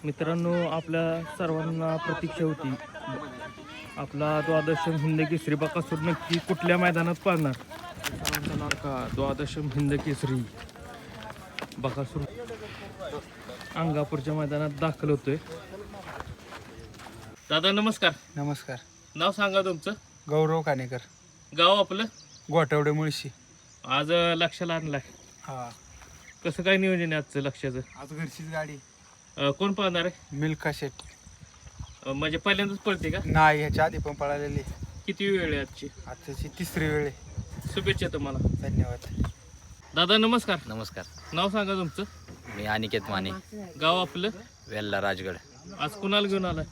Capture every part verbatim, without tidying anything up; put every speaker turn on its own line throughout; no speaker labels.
मित्रांनो, आपल्या सर्वांना प्रतीक्षा होती आपला द्वादशम हिंद केसरी बकासूर नक्की कुठल्या मैदानात पाळणार. सर्वांचा लाडका द्वादशम हिंद केसरी बकासूर अंगापूरच्या मैदानात दाखल होतोय. दादा नमस्कार.
नमस्कार.
नाव सांगा तुमचं.
गौरव कानेकर.
गाव आपलं
गोठवडे मुळशी.
आज लक्षाला आणलाय.
हा,
कसं काय नियोजन आहे आजचं लक्षाचं.
आज घरचीच गाडी.
अं, कोण पाहणार आहे.
मिल्का शेट.
अं, म्हणजे पहिल्यांदाच पळते का.
नाही, ह्याच्या आधी पण पळालेली.
किती वेळ आहे आजची.
आजची तिसरी वेळ आहे.
शुभेच्छा तुम्हाला.
धन्यवाद.
दादा नमस्कार.
नमस्कार.
नाव सांगा तुमचं.
मी अनिकेत माने,
गाव आपलं.
वेल्ला राजगड.
आज कुणाला घेऊन आलाय.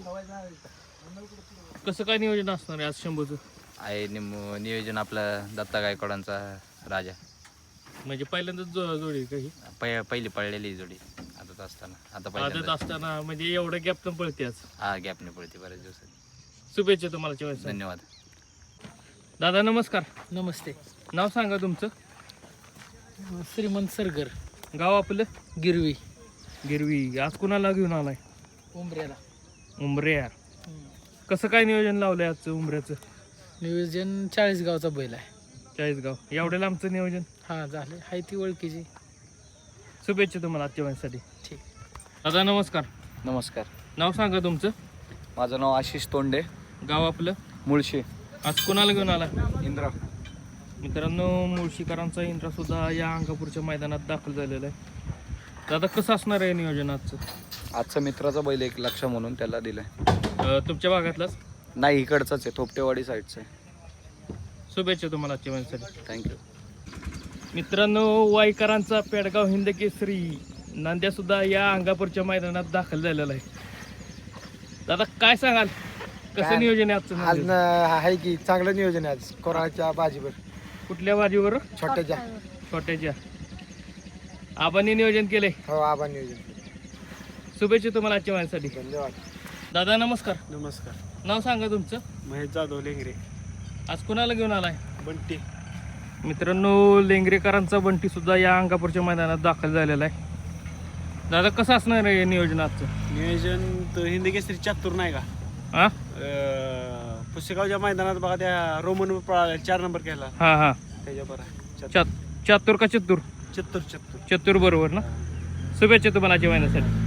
कसं काय नियोजन असणार आहे आज शंभूचं.
आहे निम- नियोजन आपलं दत्ता गायकवाडांचा राजा.
म्हणजे पहिल्यांदाच जो- जोडी आहे का ही.
पै पहिली पळलेली जोडी आदत असताना. आता
आदत
पहिल्यांदा
असताना म्हणजे एवढं गॅप पण पळते आज.
हा, गॅपने पळते बऱ्याच दिवसात.
शुभेच्छा तुम्हाला चॉईस.
धन्यवाद.
दादा नमस्कार.
नमस्ते.
नाव सांगा तुमचं.
श्रीमंत सरगर,
गाव आपलं.
गिरवी,
गिरवी. आज कुणाला घेऊन आलाय.
उंबऱ्याला.
उंबऱ्या. कसं काय नियोजन लावलंय आजचं उंबऱ्याचं.
नियोजन चाळीसगावचा बैल आहे.
चाळीसगाव. एवढ्या लांबचं नियोजन.
हा, झाले. हाय ती ओळखीची.
शुभेच्छा तुम्हाला आजच्या वेळेसाठी.
ठीक.
दादा नमस्कार.
नमस्कार.
नाव सांगा तुमचं.
माझं नाव आशिष तोंडे,
गाव आपलं.
मुळशी.
आज कुणाला घेऊन आला.
इंद्रा.
मित्रांनो, मुळशीकरांचा इंद्रा सुद्धा या अंगापूरच्या मैदानात दाखल झालेला आहे. दादा कसं असणार आहे नियोजन आजचं.
आजचा मित्राचा बैल एक लक्ष म्हणून त्याला दिलाय.
अं, तुमच्या भागातलाच.
नाही, इकडचाच आहे, थोपटेवाडी साईडचा आहे.
शुभेच्छा तुम्हाला आजच्या वेळेसाठी.
थँक्यू.
मित्रांनो, वाईकरांचा पेडगाव हिंद केसरी नांद्या सुद्धा या अंगापूरच्या मैदानात दाखल झालेला आहे. दादा काय सांगाल. कसं
काय?
नियोजन आहे आजचं.
आज
नियोजन?
आहे की चांगलं नियोजन आहे आज. कोराळच्या बाजीवर
कुठल्या बाजीवर.
छोट्याच्या.
छोट्याच्या. आबांनी नियोजन केले.
हो, आबा नियोजन.
शुभेच्छा तुम्हाला आजच्या वेळेसाठी.
धन्यवाद.
दादा नमस्कार.
नमस्कार.
नाव सांगा तुमचं.
महेश जाधव, लेंगरे.
आज कुणाला घेऊन आलाय.
बंटी.
मित्रांनो, लेंगरेकरांचा बंटी सुद्धा या अंगापूरच्या मैदानात दाखल झालेला आहे. दादा कसं असणार आहे नियोजन आजचं.
नियोजन तर हिंदी केसरी चातुर नाही का.
हा
पुसेगावच्या मैदानात बघा त्या रोमन पळाला चार नंबर केला
हा हा
त्याच्यावर आहे.
चात चातुर का चतुर.
चत्तूर चत्तूर.
चतुर बरोबर ना. शुभेच्छा तुम्हाला आजच्या महिन्यासाठी.